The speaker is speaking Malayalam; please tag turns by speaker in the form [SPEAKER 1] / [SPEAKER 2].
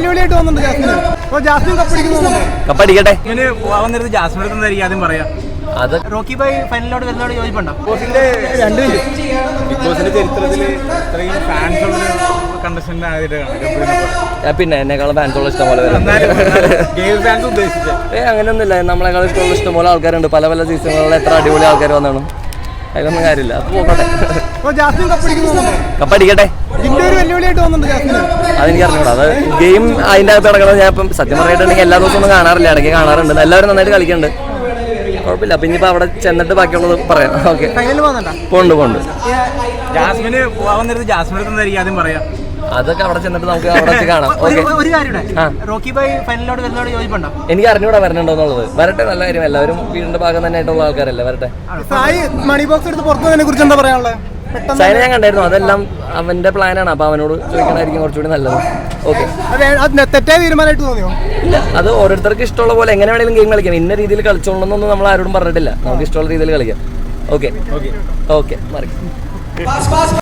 [SPEAKER 1] വെല്ലുവിളിയായിട്ട് വന്നിട്ടുണ്ട് ജാസ്മിന്. അപ്പോൾ ജാസ്മിൻ
[SPEAKER 2] കപ്പടിക്കട്ടെ.
[SPEAKER 3] ഇങ്ങനെ പോകാൻ നേരത്ത് ജാസ്മിൻ എടുക്കുന്നതായിരിക്കും ആദ്യം പറയാം.
[SPEAKER 2] അത്
[SPEAKER 3] റോക്കി ബൈ ഫൈനലോട് വരുന്നതോട് യോജിപ്പുണ്ടോ?
[SPEAKER 1] ബിഗ് ബോസിന്റെ
[SPEAKER 3] ചരിത്രത്തിൽ ഇത്രയും ഫാൻസ് ഉള്ള കണ്ടസ്റ്റന്റ് ആയിട്ടാണ്.
[SPEAKER 2] പിന്നെ എന്നെക്കാളും ഫാൻസുള്ള ഇഷ്ടം പോലെ വരും. അങ്ങനെയൊന്നുമില്ല, നമ്മളെക്കാളും ഇഷ്ടമുള്ള ഇഷ്ടംപോലെ ആൾക്കാരുണ്ട്. പല പല സീസണുകളിൽ എത്ര അടിപൊളി ആൾക്കാർ വന്നാണ്. അതിലൊന്നും കാര്യമില്ല. അപ്പോൾ പോകട്ടെ, കപ്പടിക്കട്ടെ.
[SPEAKER 1] വെല്ലുവിളിയായിട്ട് വന്നിട്ടുണ്ട് ജാസ്മിന്.
[SPEAKER 2] അതെനിക്ക് അറിഞ്ഞൂടാ. അത് ഗെയിം അതിൻ്റെ അകത്ത് കിടക്കുന്നത്. ഞാൻ ഇപ്പം സത്യം പറഞ്ഞിട്ടുണ്ടെങ്കിൽ എല്ലാ ദിവസവും ഒന്നും കാണാറില്ല, ഇടയ്ക്ക് കാണാറുണ്ട്. എല്ലാവരും നന്നായിട്ട് കളിക്കുന്നുണ്ട്, കുഴപ്പമില്ല. അപ്പം ഇനിയിപ്പോൾ അവിടെ ചെന്നിട്ട് ബാക്കിയുള്ളത് പറയാം. Okay, pond.
[SPEAKER 3] ജാസ്മിന് പോകാൻ നേരത്ത് ജാസ്മിൻ എടുക്കുന്നതായിരിക്കും ആദ്യം പറയാം.
[SPEAKER 2] അതൊക്കെ അവിടെ ചെന്നിട്ട് നമുക്ക് അവിടെ വെച്ച് കാണാം.
[SPEAKER 3] ഒരു കാര്യം, റോക്കി ബൈ ഫൈനലോട് വരുന്നതോട് യോജിപ്പുണ്ടോ?
[SPEAKER 2] എനിക്ക് അറിഞ്ഞൂടാ വരണുണ്ടോ എന്നുള്ളത്. വരട്ടെ, നല്ല കാര്യം. എല്ലാവരും വീടിന്റെ ഭാഗം തന്നെ ആയിട്ടുള്ള ആൾക്കാരല്ലേ, വരട്ടെ.
[SPEAKER 1] സായി മണി ബോക്സ് എടുത്ത് പുറത്തുനിന്നതിനെ കുറിച്ച് എന്താ പറയാനുള്ളത്?
[SPEAKER 2] സൈന ഞാൻ കണ്ടായിരുന്നു, അതെല്ലാം അവന്റെ പ്ലാനാണ്. അപ്പൊ അവനോട് ചോദിക്കണമായിരിക്കും കുറച്ചുകൂടി നല്ലത്. ഓക്കെ,
[SPEAKER 1] തെറ്റായ തീരുമാനമായിട്ട് തോന്നിയോ?
[SPEAKER 2] ഇല്ല, അത് ഓരോരുത്തർക്ക് ഇഷ്ടമുള്ള പോലെ എങ്ങനെ വേണമെങ്കിലും ഗെയിം കളിക്കാം. ഇന്ന രീതിയിൽ കളിച്ചോളണമെന്നൊന്നും നമ്മൾ ആരോടും പറഞ്ഞിട്ടില്ല. നമുക്ക് ഇഷ്ടമുള്ള രീതിയിൽ കളിക്കാം. ഓക്കെ, മാറി.